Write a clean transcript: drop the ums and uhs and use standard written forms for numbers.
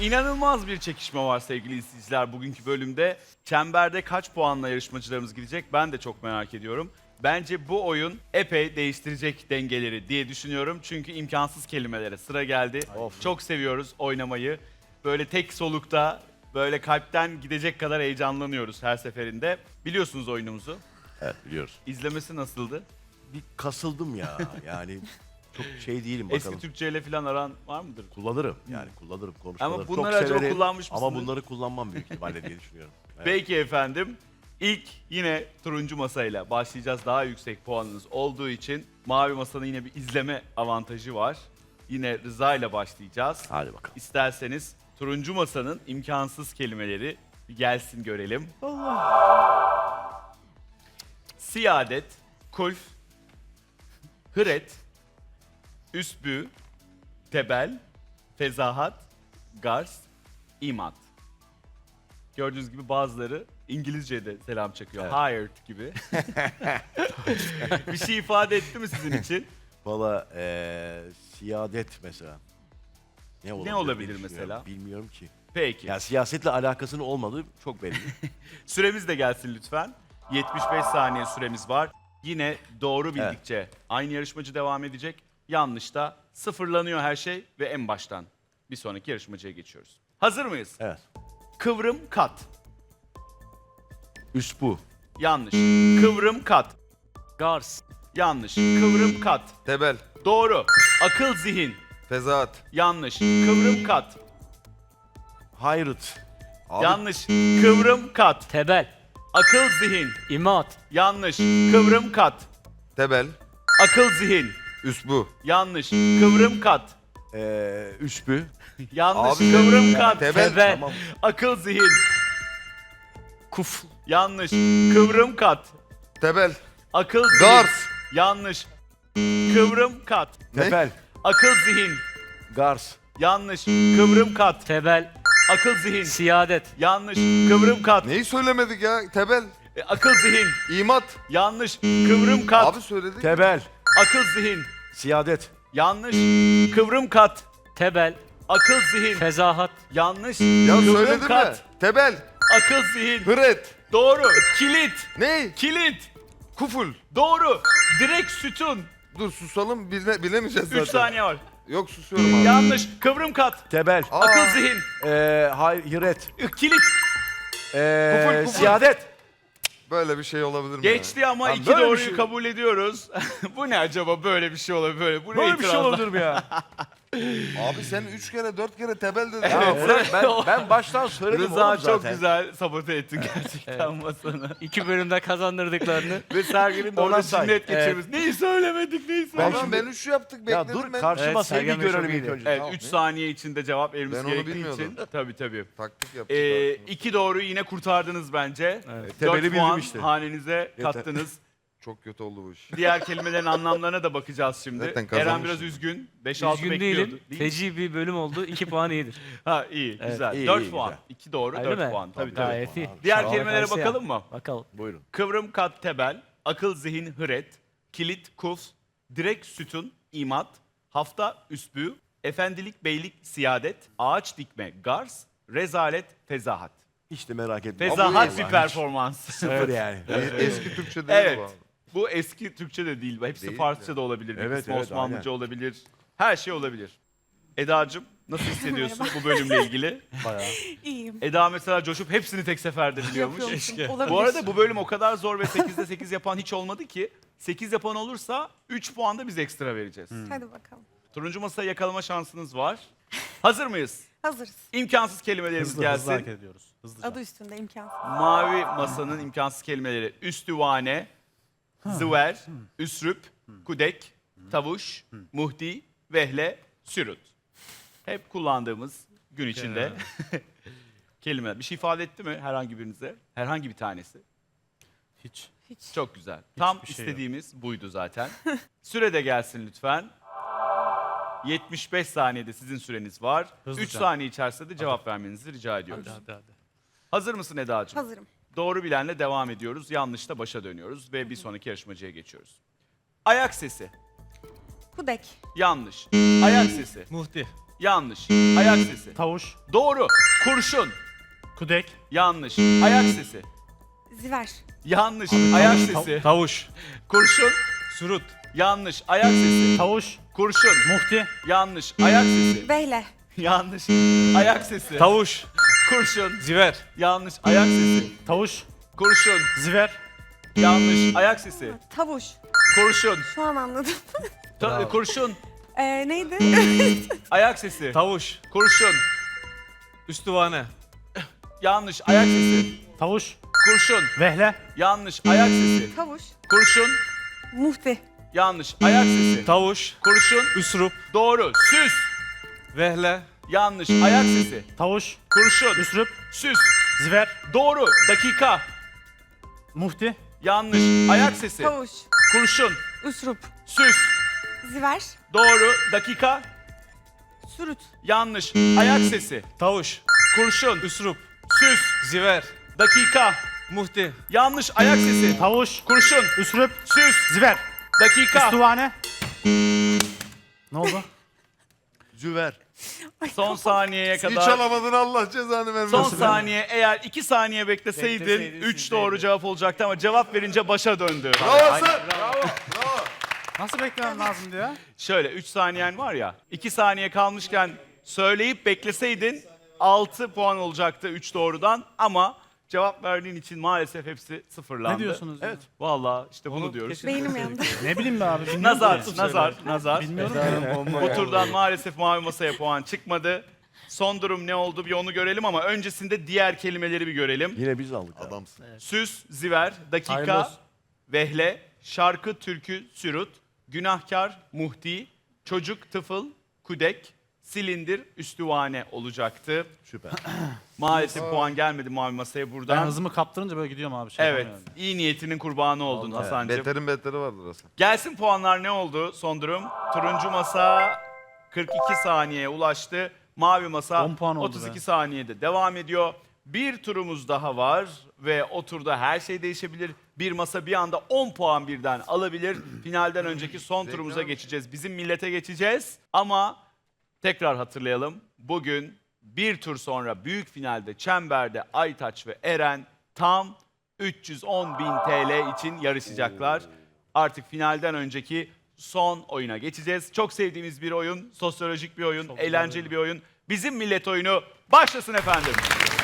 İnanılmaz bir çekişme var sevgili izleyiciler bugünkü bölümde. Çemberde kaç puanla yarışmacılarımız gidecek ben de çok merak ediyorum. Bence bu oyun epey değiştirecek dengeleri diye düşünüyorum. Çünkü imkansız kelimelere sıra geldi. Çok seviyoruz oynamayı. Böyle tek solukta, böyle kalpten gidecek kadar heyecanlanıyoruz her seferinde. Biliyorsunuz oyunumuzu. Evet biliyoruz. İzlemesi nasıldı? Bir kasıldım ya yani çok şey değilim bakalım. Eski Türkçe ile falan aran var mıdır? Kullanırım yani kullanırım konuşmaları Ama çok bunları acaba severim. kullanmış Ama mısınız? bunları kullanmam büyük ihtimalle diye düşünüyorum. Evet. Peki efendim. İlk yine turuncu masayla başlayacağız. Daha yüksek puanınız olduğu için mavi masanın yine bir izleme avantajı var. Yine Rıza ile başlayacağız. Hadi bakalım. İsterseniz turuncu masanın imkansız kelimeleri bir gelsin görelim. Siyadet, kulf, hıret, üsbü, tebel, fezahat, gars, imat. Gördüğünüz gibi bazıları İngilizce'de selam çakıyor. Evet. Hired gibi. Bir şey ifade etti mi sizin için? Valla siyadet mesela. Ne olabilir diye düşünüyorum. mesela? Bilmiyorum ki. Peki. Ya siyasetle alakasının olmadığı çok belli. Süremiz de gelsin lütfen. 75 saniye süremiz var. Yine doğru bildikçe aynı yarışmacı devam edecek. Yanlış da sıfırlanıyor her şey ve en baştan bir sonraki yarışmacıya geçiyoruz. Hazır mıyız? Evet. Kıvrım kat. Üsbu. Yanlış. Kıvrım kat. Gars. Yanlış. Kıvrım kat. Tebel, Doğru. Akıl zihin. Fezaat. Yanlış. Kıvrım kat. Hayrıt. Abi, Yanlış. Kıvrım kat. Tebel. Akıl zihin. İmat. Yanlış. Kıvrım kat. Tebel, Akıl zihin. Üsbu. Yanlış. Kıvrım kat. Üsbü. Yanlış. Abi, Kıvrım kat. Tebel. Tebel. Tamam. Akıl zihin. Kuf. Yanlış. Kıvrım kat. Tebel, Akıl zihin. Gars. Yanlış. Kıvrım kat. Ne? Tepel. Akıl zihin. Gars. Yanlış. Kıvrım kat. Tebel. Akıl zihin. Siyadet. Yanlış. Kıvrım kat. Neyi söylemedik ya? Tebel, Akıl zihin. imat. Yanlış. Kıvrım kat. Abi söyledik. Tebel. Akıl zihin. Siyadet. Yanlış. Kıvrım kat. Tebel. Akıl zihin. Fezahat. Yanlış. Ya Kıvrım söyledim mi? kat. Tebel, Akıl zihin. hıret. Doğru. Kilit. Ne? Kilit. Kuful. Doğru. Direkt sütun. Dur susalım bilemeyeceğiz zaten. 3 saniye var. Yok susuyorum abi. Yanlış. Kıvrım kat. Tebel. Aa, Akıl zihin. Hayret. Kilit. Kuful. Siyadet. Böyle bir şey olabilir mi Geçti ama Lan iki böyle bir doğruyu şey- kabul ediyoruz. Bu ne acaba böyle bir şey olabilir böyle. Bu ne Böyle bir şey itirazlar? olabilir mi ya? ya? Abi sen 3 kere 4 kere tebel dedin. Ya bırak ben baştan söyledim Rıza oğlum çok zaten. güzel sabote ettin gerçekten masanı. 2 bölümde kazandırdıklarını. Ve Sergen'in de Ona orada say. cinnet geçirmiş. Neyi söylemedik, neyi Ben söylemedik. Ben 3 yaptık Ya bekledim dur ben. karşı Evet, masayı Sergen bir Bey çok görelim ilk iyiydi. önce. Evet, Tamam. 3 saniye içinde cevap vermemiz Ben onu gerektiği bilmiyordum. için. Tabii. Taktik yaptık. 2 doğruyu yine kurtardınız bence. Evet. 4 Tebeli puan bildim işte. hanenize Yeter. kattınız. Çok kötü oldu bu iş. Diğer kelimelerin anlamlarına da bakacağız şimdi. Zaten Eren kazanmışım. biraz üzgün. 5-6 Üzgün bekliyordu. değilim. Değil mi? Feci bir bölüm oldu. 2 puan iyidir. Ha iyi, Evet, güzel. iyi, 4 iyi, puan. güzel. 2 doğru, Öyle 4 mi? puan. Tabii. Gayet iyi. Diğer Sağ ol, kelimelere karşı ya. bakalım mı? Bakalım. Buyurun. Kıvrım kat tebel, akıl zihin hıret, kilit kuf, direk sütun imat, hafta üsbü, efendilik beylik siyadet, ağaç dikme gars, rezalet fezahat. Hiç de merak etme. Fezahat iyi bir lan. performans. Sıfır yani. Eski Türkçe değil Evet. bu abi. Bu eski Türkçe de değil. Hepsi Değil Farsça mi? da olabilir. Bir Evet, kısmı evet, Osmanlıca olabilir. Her şey olabilir. Eda'cığım nasıl hissediyorsun bu bölümle ilgili? Bayağı. İyiyim. Eda mesela coşup hepsini tek seferde biliyormuş. Yapıyormuşum. Olabilir. Bu arada bu bölüm o kadar zor ve 8'de 8 yapan hiç olmadı ki. 8 yapan olursa 3 puan da biz ekstra vereceğiz. Hadi bakalım. Turuncu masayı yakalama şansınız var. Hazır mıyız? Hazırız. İmkansız kelimelerimiz gelsin. ediyoruz. Hızlıca. Adı üstünde imkansız. Mavi masanın imkansız kelimeleri üstüvane, zıver, üsrüp, kudek, tavuş, muhdi, vehle, sürut. Hep kullandığımız gün içinde kelimeler. Bir şey ifade etti mi herhangi birinize? Herhangi bir tanesi. Hiç. Hiç. Çok güzel. Tam Hiçbir şey yok. istediğimiz buydu zaten. Süre de gelsin lütfen. 75 saniyede sizin süreniz var. Hızlıca. 3 saniye içerisinde de cevap vermenizi rica ediyoruz. Hadi. Hazır mısın Eda'cığım? Hazırım. Doğru bilenle devam ediyoruz. Yanlışla başa dönüyoruz ve bir sonraki yarışmacıya geçiyoruz. Ayak sesi. Kudek. Yanlış. Ayak sesi. Muhti. Yanlış. Ayak sesi. Tavuş. Doğru. Kurşun. Kudek. Yanlış. Ayak sesi. Ziver. Yanlış. Ayak sesi. Tavuş. Kurşun. Surut. Yanlış. Ayak sesi. Tavuş. Kurşun. Muhti. Yanlış. Ayak sesi. Vehle. Yanlış. Ayak sesi. Tavuş. Kurşun. Ziver. Yanlış. Ayak sesi. Tavuş. Kurşun. Ziver. Yanlış. Ayak sesi. Tavuş. Kurşun. Şu an anladım. Kurşun. Neydi? Ayak sesi. Tavuş. Kurşun. Üstüvane. Yanlış. Ayak sesi. Tavuş. Kurşun. Vehle. Yanlış. Ayak sesi. Tavuş. Kurşun. Muhti. Yanlış. Ayak sesi. Tavuş. Kurşun. Üsrup. Doğru. Süs. Vehle. Yanlış. Ayak sesi. Tavuş. Kurşun. Üsrüp. Süs. Ziver. Doğru. Dakika. Muhti. Yanlış. Ayak sesi. Tavuş. Kurşun. Üsrup. Süs. Ziver. Doğru. Dakika. Sürüt. Yanlış. Ayak sesi. Tavuş. Kurşun. Üsrup. Süs. Ziver. Dakika. Muhti. Yanlış. Ayak sesi. Tavuş. Kurşun. Üsrüp. Süs. Ziver. Dakika. Üstüvane. Ne oldu? Züver. Son saniyeye Hiç kadar. alamadın Allah cezanı vermesin. Son saniye, eğer 2 saniye bekleseydin Bekleseydin 3 sizdeydi. doğru cevap olacaktı ama cevap verince başa döndü. Bravo. Bravo. Nasıl beklemem lazımdı ya? Şöyle 3 saniyen var ya, 2 saniye kalmışken söyleyip bekleseydin 6 puan olacaktı 3 doğrudan ama cevap verdiğin için maalesef hepsi sıfırlandı. Ne diyorsunuz ya? Evet. Vallahi işte bunu diyoruz. Beynim yandı. Ne bileyim be abi. bilmiyorum Nazar, ki. nazar. Bilmiyorum ki. Bu turdan maalesef mavi masaya puan çıkmadı. Son durum ne oldu bir onu görelim ama öncesinde diğer kelimeleri bir görelim. Yine biz aldık. Adam. Adamsın. Süs, ziver, dakika, Hayırlı vehle, şarkı, türkü, sürut, günahkar, muhti, çocuk, tıfıl, kudek, silindir, üstüvane olacaktı. Süper. Maalesef puan gelmedi mavi masaya Ben buradan. hızımı kaptırınca böyle gidiyorum abi. Şey Evet, yapamıyorum. iyi niyetinin kurbanı oldun Hasan'cığım. Beterin beteri vardır Hasan. Gelsin puanlar ne oldu son durum? Turuncu masa 42 saniyeye ulaştı. Mavi masa 10 puan oldu 32 be. saniyede devam ediyor. Bir turumuz daha var ve o turda her şey değişebilir. Bir masa bir anda 10 puan birden alabilir. Finalden önceki son turumuza geçeceğiz. Bizim millete geçeceğiz ama tekrar hatırlayalım. Bugün bir tur sonra büyük finalde Çember'de Aytaç ve Eren tam 310.000 TL için yarışacaklar. Artık finalden önceki son oyuna geçeceğiz. Çok sevdiğimiz bir oyun, sosyolojik bir oyun, eğlenceli bir oyun. Bizim millet oyunu başlasın efendim.